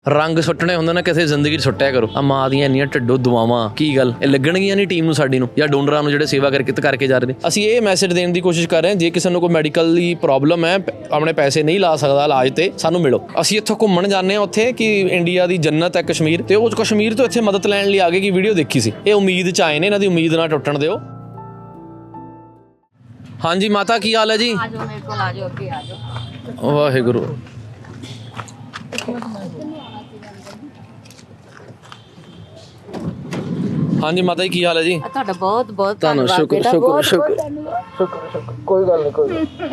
रंग सुट्टने होंदे ना किसी जिंदगी सुट्टिया करो। आ मां ਦੀਆਂ ਇੰਨੀਆਂ ਢਿੱਡੋ ਦੁਆਵਾਂ ਕੀ ਗੱਲ ਇਹ ਲੱਗਣਗੀਆਂ ਨਹੀਂ ਟੀਮ ਨੂੰ ਸਾਡੀ ਨੂੰ ਜਾਂ ਡੋਨਰਾਂ ਨੂੰ ਜਿਹੜੇ ਸੇਵਾ ਕਰਕੇ ਜਾ ਰਹੇ ਨੇ। ਅਸੀਂ ਇਹ ਮੈਸੇਜ ਦੇਣ ਦੀ ਕੋਸ਼ਿਸ਼ ਕਰ ਰਹੇ ਹਾਂ ਜੇ ਕਿਸੇ ਨੂੰ ਕੋਈ ਮੈਡੀਕਲ ਦੀ ਪ੍ਰੋਬਲਮ ਹੈ ਆਪਣੇ ਪੈਸੇ ਨਹੀਂ ਲਾ ਸਕਦਾ ਇਲਾਜ ਤੇ ਸਾਨੂੰ ਮਿਲੋ। ਅਸੀਂ ਇੱਥੋਂ ਘੁੰਮਣ ਜਾਂਦੇ ਹਾਂ ਉੱਥੇ ਕਿ ਇੰਡੀਆ ਦੀ ਜੰਨਤ ਹੈ ਕਸ਼ਮੀਰ ਤੇ ਉਹ ਕਸ਼ਮੀਰ ਤੋਂ ਇੱਥੇ ਮਦਦ ਲੈਣ ਲਈ ਆ ਗਏ ਕਿ ਵੀਡੀਓ ਦੇਖੀ ਸੀ। ਇਹ ਉਮੀਦ 'ਚ ਆਏ ਨੇ, ਇਹਨਾਂ ਦੀ ਉਮੀਦ ਨਾ ਟੁੱਟਣ ਦਿਓ। ਹਾਂਜੀ ਮਾਤਾ ਕੀ ਹਾਲ ਹੈ ਜੀ? ਵਾਹਿਗੁਰੂ। हाँ जी माता जी की हाल है जी? ਤੁਹਾਡਾ ਬਹੁਤ ਬਹੁਤ ਧੰਨਵਾਦ। ਸ਼ੁਕਰ ਸ਼ੁਕਰ ਸ਼ੁਕਰ। ਕੋਈ ਗੱਲ ਨਹੀਂ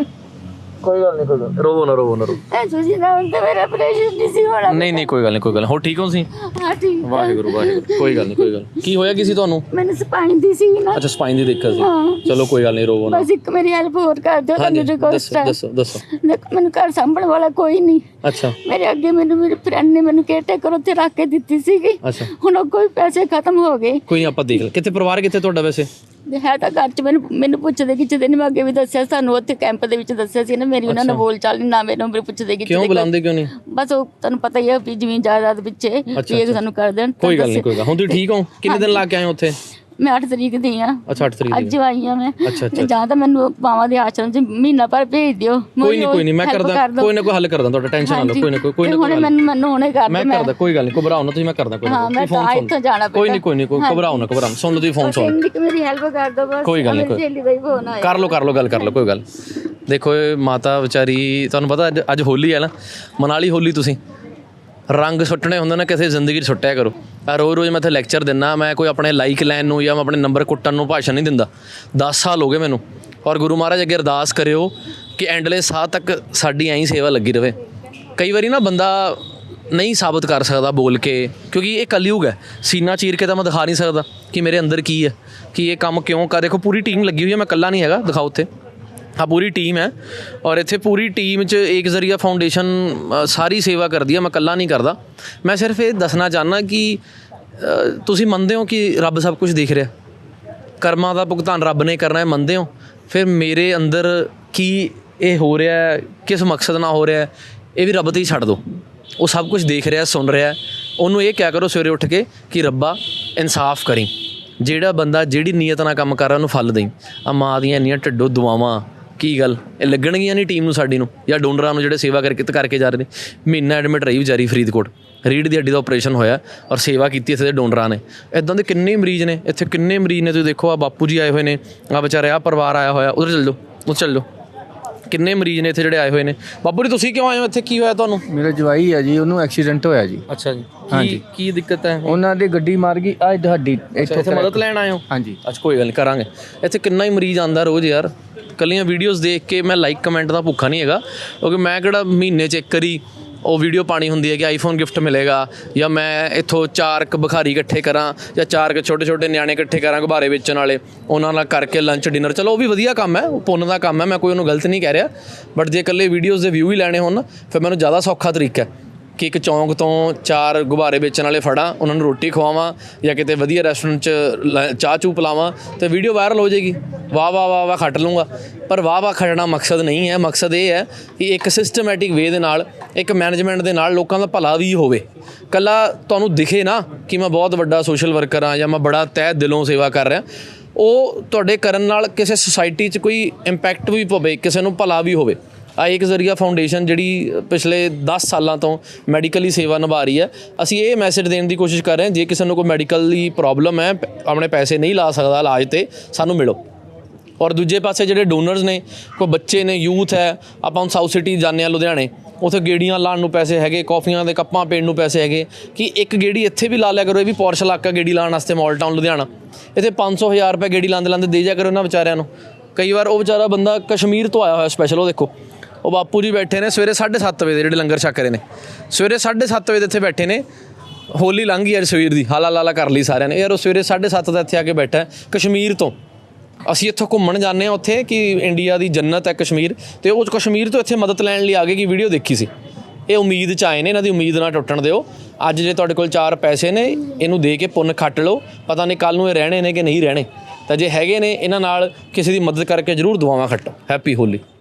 ਕੋਈ ਗੱਲ ਨਹੀਂ ਰੋਵੋ ਨਾ ਐ ਤੁਸੀਂ ਨਾ ਹੁੰਦਾ ਮੇਰਾ ਆਪਰੇਸ਼ਨ ਨਹੀਂ ਸੀ ਹੋਣਾ। ਨਹੀਂ ਕੋਈ ਗੱਲ ਨਹੀਂ ਹੋ ਠੀਕ ਹੋ ਤੁਸੀਂ? ਹਾਂ ਠੀਕ। ਵਾਹਿਗੁਰੂ ਕੋਈ ਗੱਲ ਨਹੀਂ ਕੀ ਹੋਇਆ ਕਿਸੇ ਤੁਹਾਨੂੰ? ਮੈਨੂੰ ਸਪਾਈਨ ਦੀ ਸੀ ਨਾ। ਅੱਛਾ ਸਪਾਈਨ ਦੀ ਦਿੱਕਤ ਸੀ। ਚਲੋ ਕੋਈ ਗੱਲ ਨਹੀਂ ਰੋਵੋ ਨਾ। ਬਸ ਇੱਕ ਮੇਰੀ ਹੈਲਪ ਹੋਰ ਕਰ ਦਿਓ ਤੁਹਾਨੂੰ ਰਿਕਵੈਸਟ ਹੈ। ਦੱਸੋ ਮੈਨੂੰ ਘਰ ਸੰਭਣ ਵਾਲਾ ਕੋਈ ਨਹੀਂ। ਅੱਛਾ ਮੇਰੇ ਅੱਗੇ ਮੇਰੇ ਫਰੈਂਡ ਨੇ ਮੈਨੂੰ ਕੇਅਰਟੇਕਰ ਉੱਥੇ ਰੱਖ ਕੇ ਦਿੱਤੀ ਸੀਗੀ। ਅੱਛਾ ਹੁਣ ਉਹ ਕੋਈ ਪੈਸੇ ਖਤਮ ਹੋ ਗਏ। ਕੋਈ ਆਪਾਂ ਦੇਖ ਲੈ ਕਿੱਥੇ ਪਰਿਵਾਰ ਕਿੱਥੇ ਤੁਹਾਡਾ ਵੈਸੇ? ਹੈ ਤਾਂ ਘਰ 'ਚ ਮੈਨੂੰ ਪੁੱਛਦੇ ਕਿਤੇ ਨੇ ਮੈਂ ਅੱਗੇ ਵੀ ਦੱਸਿਆ ਸਾਨੂੰ ਉੱਥੇ ਕੈਂਪ ਦੇ ਵਿੱਚ ਦੱਸਿਆ ਸੀ ਨਾ ਮੇਰੀ ਉਹਨਾਂ ਨੇ ਬੋਲ ਚਾਲ ਨਾ ਮੈਨੂੰ ਪੁੱਛਦੇ ਕਿਉਂ ਬੁਲਾਉਂਦੇ ਕਿਉਂ ਨਹੀਂ? ਬਸ ਉਹ ਤੁਹਾਨੂੰ ਪਤਾ ਹੀ ਹੈ ਵੀ ਜ਼ਮੀਨ ਜਾਇਦਾਦ ਪਿੱਛੇ ਵੀ ਇਹ ਸਾਨੂੰ ਕਰ ਦੇਣ। ਕੋਈ ਗੱਲ ਨਹੀਂ ਹੁਣ ਤੁਸੀਂ ਠੀਕ ਹੋ? ਕਿੰਨੇ ਦਿਨ ਲਾ ਕੇ ਆਏ ਉੱਥੇ? ਮੈਂ 8 ਤਰੀਕ ਦੀ ਆ। ਅੱਛਾ 8 ਤਰੀਕ ਅੱਜ ਆਈ ਆ ਮੈਂ। ਤੇ ਜਾਂ ਤਾਂ ਮੈਨੂੰ ਪਾਵਾਂ ਦੇ ਆਸ਼ਰਮ 'ਚ ਮਹੀਨਾ ਭਰ ਭੇਜ ਦਿਓ। ਕੋਈ ਨਹੀਂ ਮੈਂ ਕਰਦਾ ਕੋਈ ਨਾ ਕੋਈ ਹੱਲ ਕਰਦਾ ਤੁਹਾਡਾ ਟੈਨਸ਼ਨ ਨਾ ਲਓ। ਕੋਈ ਨਾ ਮੈਨੂੰ ਹੁਣੇ ਕਰ ਮੈਂ ਕਰਦਾ ਕੋਈ ਗੱਲ ਨਹੀਂ ਘਬਰਾਓ ਨਾ ਤੁਸੀਂ ਮੈਂ ਕਰਦਾ ਕੋਈ ਹਾਂ ਮੈਂ ਤਾਂ ਇੱਥੋਂ ਜਾਣਾ ਕੋਈ ਨਹੀਂ ਘਬਰਾਓ ਨਾ ਸੁਣ ਲਓ ਤੁਸੀਂ ਫੋਨ ਸੁਣ ਮੇਰੀ ਹੈਲਪ ਕਰ ਦਿਓ ਬਸ। ਕੋਈ ਗੱਲ ਨਹੀਂ ਕਰ ਲਓ ਗੱਲ ਕਰ ਲਓ ਕੋਈ ਗੱਲ। ਦੇਖੋ ਇਹ ਮਾਤਾ ਵਿਚਾਰੀ ਤੁਹਾਨੂੰ ਪਤਾ ਅੱਜ ਹੋਲੀ ਹੈ ਨਾ ਮਨਾਲੀ ਹੋਲੀ ਤੁਸੀਂ ਰੰਗ ਸੁੱਟਣੇ ਹੁੰਦੇ ਨਾ ਕਿਸੇ ਜ਼ਿੰਦਗੀ 'ਚ ਸੁੱਟਿਆ ਕਰੋ। ਰੋਜ਼ ਮੈਂ ਇੱਥੇ ਲੈਕਚਰ ਦਿੰਦਾ ਮੈਂ ਕੋਈ ਆਪਣੇ ਲਾਈਕ ਲੈਣ ਨੂੰ ਜਾਂ ਮੈਂ ਆਪਣੇ ਨੰਬਰ ਕੁੱਟਣ ਨੂੰ ਭਾਸ਼ਣ ਨਹੀਂ ਦਿੰਦਾ। 10 ਸਾਲ ਹੋ ਗਏ ਮੈਨੂੰ। ਔਰ ਗੁਰੂ ਮਹਾਰਾਜ ਅੱਗੇ ਅਰਦਾਸ ਕਰਿਓ ਕਿ ਐਂਡਲੇ ਸਾਹ ਤੱਕ ਸਾਡੀ ਐਂ ਸੇਵਾ ਲੱਗੀ ਰਹੇ। ਕਈ ਵਾਰੀ ਨਾ ਬੰਦਾ ਨਹੀਂ ਸਾਬਤ ਕਰ ਸਕਦਾ ਬੋਲ ਕੇ ਕਿਉਂਕਿ ਇਹ ਕਲਯੁਗ ਹੈ। ਸੀਨਾ ਚੀਰ ਕੇ ਤਾਂ ਮੈਂ ਦਿਖਾ ਨਹੀਂ ਸਕਦਾ ਕਿ ਮੇਰੇ ਅੰਦਰ ਕੀ ਹੈ ਕਿ ਇਹ ਕੰਮ ਕਿਉਂ ਕਰ। ਦੇਖੋ ਪੂਰੀ ਟੀਮ ਲੱਗੀ ਹੋਈ ਹੈ, ਮੈਂ ਇਕੱਲਾ ਨਹੀਂ ਹੈਗਾ। ਦਿਖਾਓ ਉੱਥੇ हाँ पूरी टीम है और इत्थे पूरी टीम च एक जरिया फाउंडेशन सारी सेवा करती है। मैं कल्ला नहीं करता। मैं सिर्फ ये दसना चाहना कि तुसी मनते हो कि रब सब कुछ देख रहा कर्मां दा भुगतान रब ने करना है मनते हो। फिर मेरे अंदर की ये हो रहा है किस मकसद नाल हो रहा है ये भी रब ते ही छड्ड दो। वो सब कुछ देख रहा सुन रहा उन्होंने ये क्या करो सवेरे उठ के कि रब्बा इंसाफ करी ਜਿਹੜਾ ਬੰਦਾ ਜਿਹੜੀ ਨੀਅਤ ਨਾਲ ਕੰਮ ਕਰ ਰਿਹਾ ਉਹਨੂੰ ਫਲ ਦੇਈ। ਆ ਮਾਂ ਦੀਆਂ ਇੰਨੀਆਂ ਢਿੱਡੋ ਦੁਆਵਾਂ ਕੀ ਗੱਲ ਇਹ ਲੱਗਣਗੀਆਂ ਨਹੀਂ ਟੀਮ ਨੂੰ ਸਾਡੀ ਨੂੰ ਜਾਂ ਡੋਨਰਾਂ ਨੂੰ ਜਿਹੜੇ ਸੇਵਾ ਕਰਕੇ ਜਾ ਰਹੇ ਨੇ। ਮਹੀਨਾ ਐਡਮਿਟ ਰਹੀ ਵਿਚਾਰੀ ਫਰੀਦਕੋਟ ਰੀੜ੍ਹ ਦੀ ਹੱਡੀ ਦਾ ਆਪਰੇਸ਼ਨ ਹੋਇਆ ਔਰ ਸੇਵਾ ਕੀਤੀ ਇੱਥੇ ਦੇ ਡੋਨਰਾਂ ਨੇ। ਇੱਦਾਂ ਦੇ ਕਿੰਨੇ ਮਰੀਜ਼ ਨੇ ਇੱਥੇ ਕਿੰਨੇ ਮਰੀਜ਼ ਨੇ ਤੁਸੀਂ ਦੇਖੋ। ਆ ਬਾਪੂ ਜੀ ਆਏ ਹੋਏ ਨੇ ਆ ਵਿਚਾਰੇ ਆ ਪਰਿਵਾਰ ਆਇਆ ਹੋਇਆ ਉਧਰ ਚੱਲ ਜਾਓ ਕਿੰਨੇ ਮਰੀਜ਼ ਨੇ ਇੱਥੇ ਜਿਹੜੇ ਆਏ ਹੋਏ ਨੇ। ਬਾਪੂ ਜੀ ਤੁਸੀਂ ਕਿਉਂ ਆਏ ਹੋ ਇੱਥੇ ਕੀ ਹੋਇਆ ਤੁਹਾਨੂੰ? ਮੇਰਾ ਜਵਾਈ ਹੈ ਜੀ ਉਹਨੂੰ ਐਕਸੀਡੈਂਟ ਹੋਇਆ ਜੀ। ਅੱਛਾ ਜੀ ਕੀ ਦਿੱਕਤ ਹੈ? ਉਹਨਾਂ ਦੀ ਗੱਡੀ ਮਾਰ ਗਈ ਆ ਤੁਹਾਡੀ ਇੱਥੇ ਮਦਦ ਲੈਣ ਆਏ ਹੋ? ਹਾਂਜੀ ਅੱਛਾ ਕੋਈ ਗੱਲ ਨਹੀਂ ਕਰਾਂਗੇ। ਇੱਥੇ ਕਿੰਨਾ ਹੀ ਮਰੀਜ਼ ਆਉਂਦਾ ਰੋਜ਼ ਯਾਰ। ਕੱਲੀਆਂ ਵੀਡੀਓਜ਼ ਦੇਖ ਕੇ ਮੈਂ ਲਾਈਕ ਕਮੈਂਟ ਦਾ ਭੁੱਖਾ ਨਹੀਂ ਹੈਗਾ ਕਿਉਂਕਿ ਮੈਂ ਕਿਹੜਾ ਮਹੀਨੇ 'ਚ ਇੱਕ ਵਾਰੀ ਉਹ ਵੀਡੀਓ ਪਾਣੀ ਹੁੰਦੀ ਹੈ ਕਿ ਆਈਫੋਨ ਗਿਫਟ ਮਿਲੇਗਾ ਜਾਂ ਮੈਂ ਇੱਥੋਂ 4 ਬੁਖਾਰੀ ਇਕੱਠੇ ਕਰਾਂ ਜਾਂ 4 ਛੋਟੇ ਨਿਆਣੇ ਇਕੱਠੇ ਕਰਾਂ ਗੁਬਾਰੇ ਵੇਚਣ ਵਾਲੇ ਉਹਨਾਂ ਨਾਲ ਕਰਕੇ ਲੰਚ ਡਿਨਰ। ਚਲੋ ਉਹ ਵੀ ਵਧੀਆ ਕੰਮ ਹੈ, ਉਹ ਪੁੰਨ ਦਾ ਕੰਮ ਹੈ, ਮੈਂ ਕੋਈ ਉਹਨੂੰ ਗਲਤ ਨਹੀਂ ਕਹਿ ਰਿਹਾ। ਬਟ ਜੇ ਇਕੱਲੇ ਵੀਡੀਓਜ਼ ਦੇ ਵਿਊ ਹੀ ਲੈਣੇ ਹੋਣ ਫਿਰ ਮੈਨੂੰ ਜ਼ਿਆਦਾ ਸੌਖਾ ਤਰੀਕਾ ਹੈ ਕਿ ਇੱਕ ਚੌਂਕ ਤੋਂ 4 ਗੁਬਾਰੇ ਵੇਚਣ ਵਾਲੇ ਫੜਾਂ ਉਹਨਾਂ ਨੂੰ ਰੋਟੀ ਖਵਾਵਾਂ ਜਾਂ ਕਿਤੇ ਵਧੀਆ ਰੈਸਟੋਰੈਂਟ 'ਚ ਚਾਹ ਚੂ ਪਿਲਾਵਾਂ ਅਤੇ ਵੀਡੀਓ ਵਾਇਰਲ ਹੋ ਜਾਏਗੀ। ਵਾਹ ਖੱਟ ਲੂੰਗਾ। ਪਰ ਵਾਹ ਖੱਟਣਾ ਮਕਸਦ ਨਹੀਂ ਹੈ। ਮਕਸਦ ਇਹ ਹੈ ਕਿ ਇੱਕ ਸਿਸਟਮੈਟਿਕ ਵੇ ਦੇ ਨਾਲ ਇੱਕ ਮੈਨੇਜਮੈਂਟ ਦੇ ਨਾਲ ਲੋਕਾਂ ਦਾ ਭਲਾ ਵੀ ਹੋਵੇ। ਇਕੱਲਾ ਤੁਹਾਨੂੰ ਦਿਖੇ ਨਾ ਕਿ ਮੈਂ ਬਹੁਤ ਵੱਡਾ ਸੋਸ਼ਲ ਵਰਕਰ ਹਾਂ ਜਾਂ ਮੈਂ ਬੜਾ ਤਹਿ ਦਿਲੋਂ ਸੇਵਾ ਕਰ ਰਿਹਾ। ਉਹ ਤੁਹਾਡੇ ਕਰਨ ਨਾਲ ਕਿਸੇ ਸੁਸਾਇਟੀ 'ਚ ਕੋਈ ਇੰਪੈਕਟ ਵੀ ਪਵੇ, ਕਿਸੇ ਨੂੰ ਭਲਾ ਵੀ ਹੋਵੇ। ਆ ਇੱਕ ਜ਼ਰੀਆ ਫਾਊਂਡੇਸ਼ਨ ਜਿਹੜੀ ਪਿਛਲੇ 10 ਸਾਲਾਂ ਤੋਂ ਮੈਡੀਕਲੀ ਸੇਵਾ ਨਿਭਾ ਰਹੀ ਹੈ। ਅਸੀਂ ਇਹ ਮੈਸੇਜ ਦੇਣ ਦੀ ਕੋਸ਼ਿਸ਼ ਕਰ ਰਹੇ ਹਾਂ ਜੇ ਕਿਸੇ ਨੂੰ ਕੋਈ ਮੈਡੀਕਲ ਦੀ ਪ੍ਰੋਬਲਮ ਹੈ ਆਪਣੇ ਪੈਸੇ ਨਹੀਂ ਲਾ ਸਕਦਾ ਇਲਾਜ ਤੇ ਸਾਨੂੰ ਮਿਲੋ। ਔਰ ਦੂਜੇ ਪਾਸੇ ਜਿਹੜੇ ਡੋਨਰਸ ਨੇ ਕੋਈ ਬੱਚੇ ਨੇ ਯੂਥ ਹੈ। ਆਪਾਂ ਹੁਣ ਸਾਊਥ ਸਿਟੀ ਜਾਂਦੇ ਹਾਂ ਲੁਧਿਆਣੇ ਉੱਥੇ ਗੇੜੀਆਂ ਲਾਉਣ ਨੂੰ ਪੈਸੇ ਹੈਗੇ, ਕੌਫੀਆਂ ਦੇ ਕੱਪਾਂ ਪੀਣ ਨੂੰ ਪੈਸੇ ਹੈਗੇ ਕਿ ਇੱਕ ਗੇੜੀ ਇੱਥੇ ਵੀ ਲਾ ਲਿਆ ਕਰੋ। ਇਹ ਵੀ ਪੌਰਸ਼ ਇਲਾਕਾ ਗੇੜੀ ਲਾਉਣ ਵਾਸਤੇ ਮਾਲ ਟਾਊਨ ਲੁਧਿਆਣਾ ਇੱਥੇ 500,000 ਰੁਪਏ ਗੇੜੀ ਲਾਉਂਦੇ ਦੇ ਜਾ ਕਰੋ ਇਹਨਾਂ ਵਿਚਾਰਿਆਂ ਨੂੰ। ਕਈ ਵਾਰ ਉਹ ਵਿਚਾਰਾ ਬੰਦਾ ਕਸ਼ਮੀਰ ਤੋਂ ਆਇਆ ਹੋਇਆ ਸਪੈਸ਼ਲ। ਉਹ ਦੇਖੋ ਉਹ ਬਾਪੂ ਜੀ ਬੈਠੇ ਨੇ ਸਵੇਰੇ 7:30 ਵਜੇ ਜਿਹੜੇ ਲੰਗਰ ਛਕ ਰਹੇ ਨੇ ਸਵੇਰੇ 7:30 ਵਜੇ ਇੱਥੇ ਬੈਠੇ ਨੇ। ਹੋਲੀ ਲੰਘ ਗਈ ਯਾਰ ਸਵੇਰ ਦੀ ਹਾਲਾ ਕਰ ਲਈ ਸਾਰਿਆਂ ਨੇ ਯਾਰ। ਉਹ ਸਵੇਰੇ 7:30 ਦਾ ਇੱਥੇ ਆ ਕੇ ਬੈਠਾ ਕਸ਼ਮੀਰ ਤੋਂ। ਅਸੀਂ ਇੱਥੋਂ ਘੁੰਮਣ ਜਾਂਦੇ ਹਾਂ ਉੱਥੇ ਕਿ ਇੰਡੀਆ ਦੀ ਜੰਨਤ ਹੈ ਕਸ਼ਮੀਰ ਤੇ ਉਹ ਕਸ਼ਮੀਰ ਤੋਂ ਇੱਥੇ ਮਦਦ ਲੈਣ ਲਈ ਆ ਗਏ ਕਿ ਵੀਡੀਓ ਦੇਖੀ ਸੀ। ਇਹ ਉਮੀਦ 'ਚ ਆਏ ਨੇ, ਇਹਨਾਂ ਦੀ ਉਮੀਦ ਨਾ ਟੁੱਟਣ ਦਿਓ। ਅੱਜ ਜੇ ਤੁਹਾਡੇ ਕੋਲ 4 ਪੈਸੇ ਨੇ ਇਹਨੂੰ ਦੇ ਕੇ ਪੁੰਨ ਖੱਟ ਲਓ। ਪਤਾ ਨਹੀਂ ਕੱਲ੍ਹ ਨੂੰ ਇਹ ਰਹਿਣੇ ਨੇ ਕਿ ਨਹੀਂ ਰਹਿਣੇ। ਤਾਂ ਜੇ ਹੈਗੇ ਨੇ ਇਹਨਾਂ ਨਾਲ ਕਿਸੇ ਦੀ ਮਦਦ ਕਰਕੇ ਜ਼ਰੂਰ ਦੁਆਵਾਂ ਖੱਟੋ। ਹੈਪੀ ਹੋਲੀ।